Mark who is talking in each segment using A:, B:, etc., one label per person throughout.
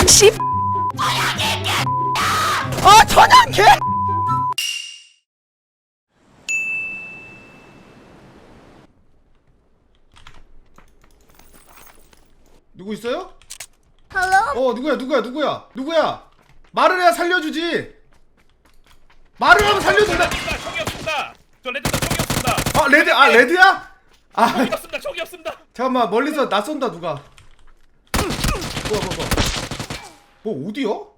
A: 씨. 아 천양 개.
B: 누구 있어요?
C: 헬로?
B: 누구야? 말을 해야 살려주지. 말을 하면 살려준다.
D: 총이 없습니다. 저 레드다 총이 없습니다.
B: 아 레드, 아 레드야? 아
D: 총이 없습니다. 총이 없습니다.
B: 잠깐만, 멀리서 나 쏜다 누가. 뭐 어디요?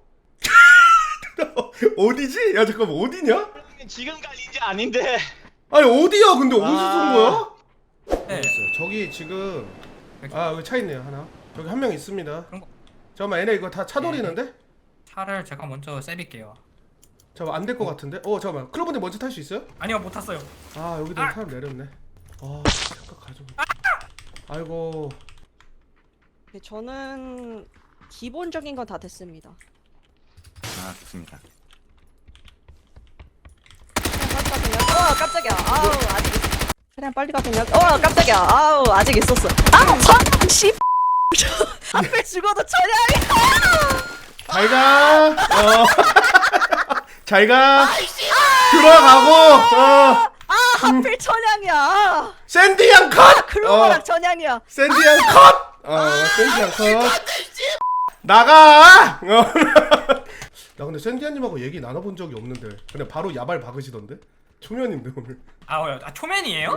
B: 어디지? 야 잠깐만, 어디냐?
E: 지금 갈 인재 아닌데.
B: 아니 어디야? 근데 어디서 쏜 거야?
F: 네.
B: 알겠어요. 저기 지금 여기 차 있네요 하나. 저기 한 명 있습니다.
F: 그런 거-
B: 잠깐만, 얘네 이거 다 차 돌리는데?
F: 차를 제가 먼저 세빌게요.
B: 잠깐만, 안 될 것 같은데? 잠깐만, 클로버님 먼저 탈 수 있어요?
F: 아니요, 못 탔어요.
B: 아 여기도 사람 내렸네. 잠깐 가져. 아이고.
A: 네, 저는 기본적인 건 다 됐습니다.
E: 아 좋습니다.
A: 깜짝이야. 아우 아직 있어. 그냥 빨리 가 그냥. 깜짝이야. 아우 아직 있었어. 아우 천양 씨. 앞에 죽어도 천양이야.
B: 잘가. 잘가. 들어가고.
A: 하필 천양이야.
B: 샌디 양 컷.
A: 클로버랑 천양이야.
B: 샌디 양 컷. 샌디 양 컷. 나가. 나 근데 샌디아님하고 얘기 나눠본 적이 없는데 그냥 바로 야발 박으시던데? 초면인데 오늘.
F: 초면이에요?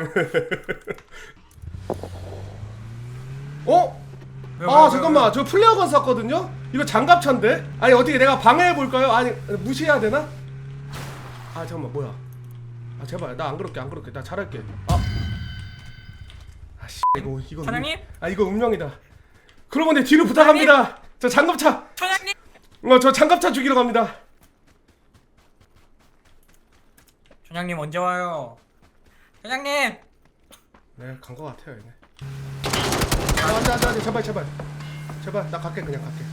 B: 아 잠깐만, 저 플레어건 샀거든요? 이거 장갑차인데? 아니 어떻게 내가 방해해볼까요? 아니 무시해야 되나? 아 잠깐만, 뭐야. 아 제발 나 안 그럴게 나 잘할게. 아씨 이거
F: 사장님?
B: 이거 운명이다. 그러면 내 뒤로 부탁합니다. 저 장갑차.
F: 초장님!
B: 저 장갑차 죽이러 갑니다.
F: 초장님 언제 와요? 초장님!
B: 네, 간 거 같아요 얘네. 안돼 제발 나 갈게, 그냥 갈게.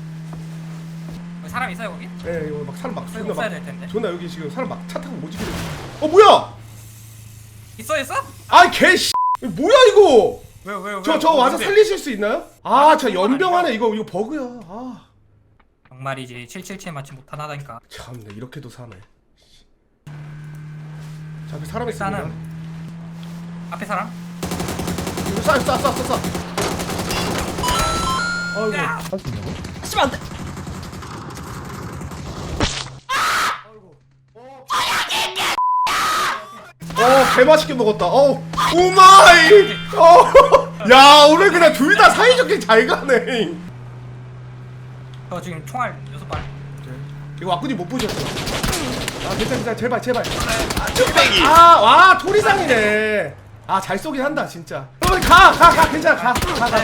F: 사람 있어요 거기?
B: 예, 이거 막 사람 막
F: 없어야
B: 존나
F: 될 텐데.
B: 존나 여기 지금 사람 막 차 타고 모지기를. 뭐야?
F: 있어?
B: 아 개씨 뭐야 이거?
F: 왜요?
B: 저 와서 살리실 수 있나요? 저 연병하네. 이거 버그야.
F: 정말이지 777 맞지 못하다니까.
B: 참네, 이렇게도 사네. 자, 앞에 사람 있습니다.
F: 일단은 앞에 사람?
B: 이거 쏴. 아이고.
F: 야!
A: 하시면 안 돼.
B: 개맛있게 먹었다. 오마이. 야, 오늘 그냥 둘 다 사이좋게 잘 가네.
F: 저 지금 총알 6발.
B: 이거 왁구님 못 보셨어. 괜찮아. 제발.
E: 뚝배기.
B: 와, 토리상이네. 잘 쏘긴 한다, 진짜. 가. 괜찮아. 가.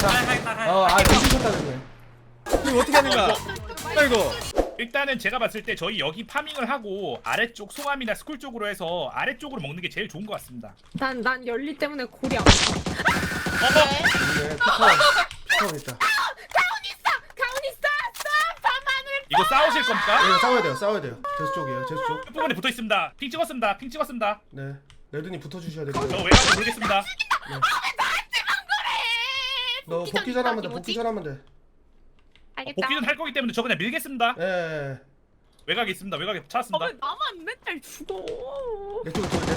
B: 괜찮다는
E: 이거 어떻게 하는 거야? 아이고.
D: 일단은 제가 봤을 때 저희 여기 파밍을 하고 아래쪽 송암이나 스쿨 쪽으로 해서 아래쪽으로 먹는 게 제일 좋은 것 같습니다.
G: 난 열리 때문에 골이 안 아파.
B: 네, 피카원 있다.
G: 가훈이 쏴! 밤하늘!
D: 이거 싸우실 겁니까?
B: 이거 싸워야 돼요. 제수 쪽이에요, 제수 쪽.
D: 끝부분에 붙어 있습니다. 핑 찍었습니다.
B: 네, 레드님 붙어주셔야 돼요.
D: 저 외곽으로 돌겠습니다.
B: 너 복귀 전하면 돼.
G: 알겠다.
D: 복귀는 할 거기 때문에 저 그냥 밀겠습니다.
B: 예.
D: 외곽에 있습니다. 외곽에 찾았습니다.
G: 나만 맨날 죽어.
B: 내 쪽으로 돌.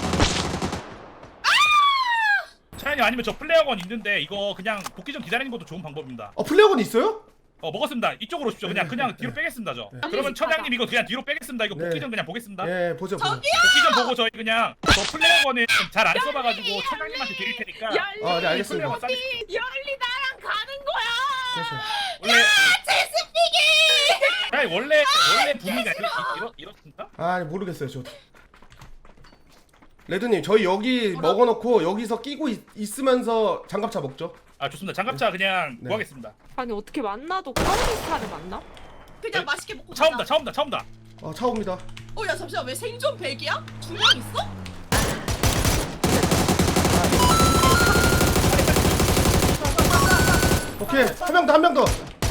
D: 차라리 아니면 저 플레어건 있는데 이거 그냥 복귀 좀 기다리는 것도 좋은 방법입니다.
B: 플레어건 있어요?
D: 먹었습니다. 이쪽으로 오십시오. 그냥 뒤로 빼겠습니다. 저. 그러면 처장님 이거 그냥 뒤로 빼겠습니다. 이거 복귀 좀 그냥 보겠습니다.
B: 예, 보죠.
D: 복귀 좀 보고 저희 그냥 저 플레어건을 잘 안 써봐가지고 처장님한테 드릴 테니까.
G: 열리!
B: 네, 알겠습니다.
D: 플레어건 싸주십시오.
G: 열리 나랑 가는 거야!
B: 그렇죠.
D: 원래 제스피기. 아니 원래 분위기가 이렇습니까?
B: 아니 모르겠어요, 저도. 레드님, 저희 여기 먹어놓고 여기서 끼고 있으면서 장갑차 먹죠.
D: 좋습니다. 장갑차 그냥
B: 네.
D: 구하겠습니다.
G: 아니 어떻게 만나도 카운티스타를 만나?
H: 그냥 맛있게 먹고
D: 차 온다.
B: 차 옵니다.
H: 야 잠시만, 왜 생존 100이야? 2명 있어?
B: 오케이, 한 명 더.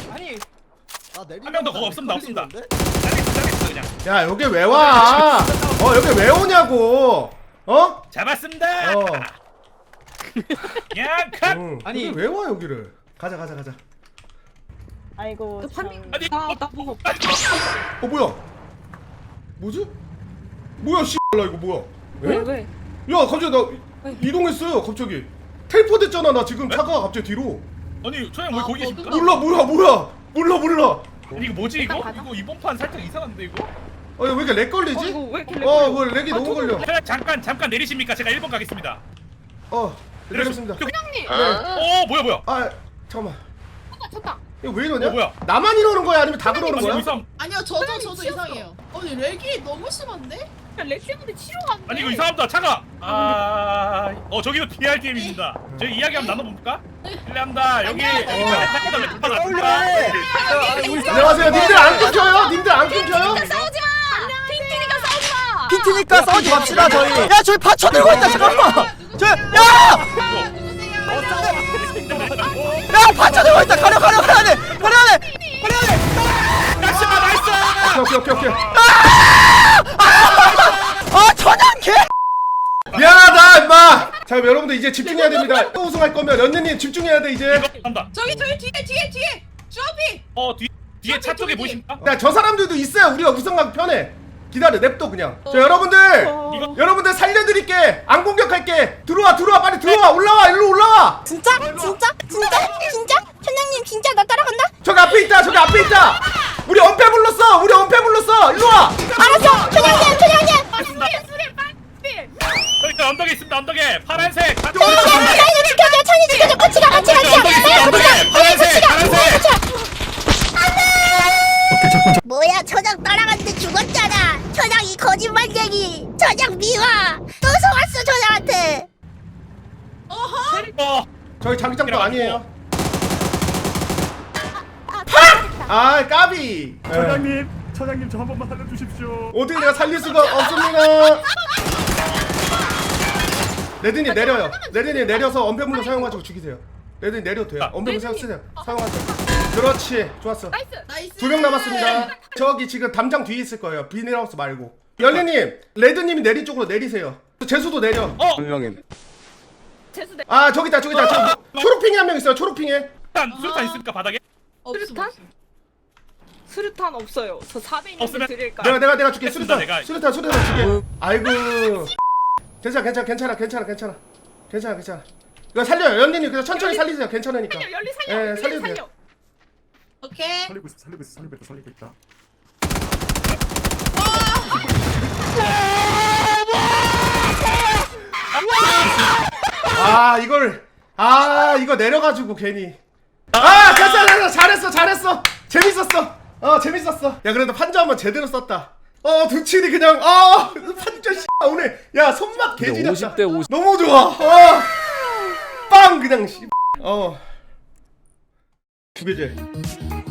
D: 한 명 더 그거 없습니다. 짜겠어 그냥.
B: 야, 여기 왜 와? 여기 왜 오냐고?
D: 잡았습니다. 그냥 컷.
B: 아니 왜 와 여기를? 가자.
A: 아이고 참.
D: 아니
G: 나 보고
B: 뭐야? 뭐지? 뭐야 씨발라 이거 뭐야?
G: 왜
B: 에?
G: 왜?
B: 야 갑자기 나 이동했어요 갑자기. 텔포 됐잖아 나 지금 차가 갑자기 뒤로.
D: 아니 초양 왜 거기 있습니까?
B: 몰라 몰라.
D: 아니 이거 뭐지 이거?
G: 일단 가자.
D: 이거 이번 판 살짝 이상한데 이거?
B: 왜 이렇게 렉 걸리지?
G: 이거 왜 이렇게
B: 뭐 렉이 너무 걸려.
D: 초양 잠깐 내리십니까? 제가 1번 가겠습니다.
B: 내렸습니다.
G: 형님.
D: 뭐야?
B: 아 잠깐만.
G: 쳤다.
B: 이거 왜 이러냐?
D: 뭐야?
B: 나만 이러는 거야 아니면 다 그러는
D: 아니
B: 거야?
D: 이거
H: 아니요 저도 이상해요. 아니 렉이 너무 심한데?
G: 렉 때문에 치료가 안 돼.
D: 아니 이거 이상합니다 차가. 저기도 DRDM입니다. 저희 이야기 한번 나눠볼까? 실례합니다. 여기
B: 안녕하세요. 님들 안 끊겨요? 님들 안 끊겨요?
G: 싸우지 마. 핑키니까 싸우지 마.
C: 피트니까 싸우지 맙시다 저희. 야 저기 받쳐 들고 있다 잠깐만. 야 받쳐 들고 있다. 가려 가야 돼.
B: 오케이.
C: 아 천양 개.
B: 미안하다 임마. 자 그럼 여러분들 이제 집중해야 됩니다. 또 우승할 거면 런느님 집중해야 돼 이제.
D: 한다.
H: 저기 뒤에 주업이.
D: 뒤에 차 쪽에 보이십니까?
B: 야 저 사람들도 있어야 우리가 우승하기 편해. 기다려 냅둬 그냥. 자 여러분들
D: 이거
B: 여러분들 살려드릴게. 안 공격할게. 들어와 빨리 들어와. 올라와 일로 올라와.
I: 진짜? 천양님 진짜 나 따라간다?
B: 저기 앞에 있다. 우리 엄폐 불렀어. 일로 와.
I: 알았어 천양님
D: 저기 언덕에 있습니다. 언덕에 파란색.
I: 천이 지켜줘 같이 가
D: 언덕에 파란색.
I: 뭐야 천양 따라갔는데 죽었잖아 천양 이 거짓말쟁이 천양 미화 또 속았어 천양한테
B: 저희 자기장도 아니에요. 아 까비.
E: 처장님 저 한 번만 살려주십시오.
B: 어떻게 내가 살릴 수가 없습니다. 레드님 내려요. 레드님 내려서 언패물로 사용하시고 죽이세요. 레드님 내려도 돼요. 언패물 쓰세요. 사용하세요. 그렇지. 좋았어.
H: 나이스.
B: 2명 남았습니다. 저기 지금 담장 뒤에 있을 거예요. 비닐하우스 말고. 열리님, 레드님이 내린 쪽으로 내리세요. 제수도 내려.
E: 분명히.
G: 재수대.
B: 아 저기다. 저 초록핑이 한 명 있어요. 초록핑에.
D: 수류탄 있습니까 바닥에?
H: 없음.
G: 수류탄 없어요. 저 400인
D: 없으면
G: 드릴까?
B: 내가 줄게.
D: 됐습니다,
B: 수류탄.
D: 내가.
B: 수류탄 줄게. 아이고. 괜찮아. 이거 살려요. 연리님 그냥 천천히 살리세요. 괜찮으니까.
G: 열리
B: 예,
G: 살려.
B: 살려도
G: 살려.
B: 돼요.
H: 오케이.
E: 살리고 있다.
B: 이거 내려가지고 괜히. 괜찮아. 잘했어. 재밌었어. 야 그래도 판자 한번 제대로 썼다. 두칠이 그냥 판자 씨 오늘 야 손맛 개지렸다.
C: 50대 50.
B: 너무 좋아. 빵 그냥 씨. 두 개째.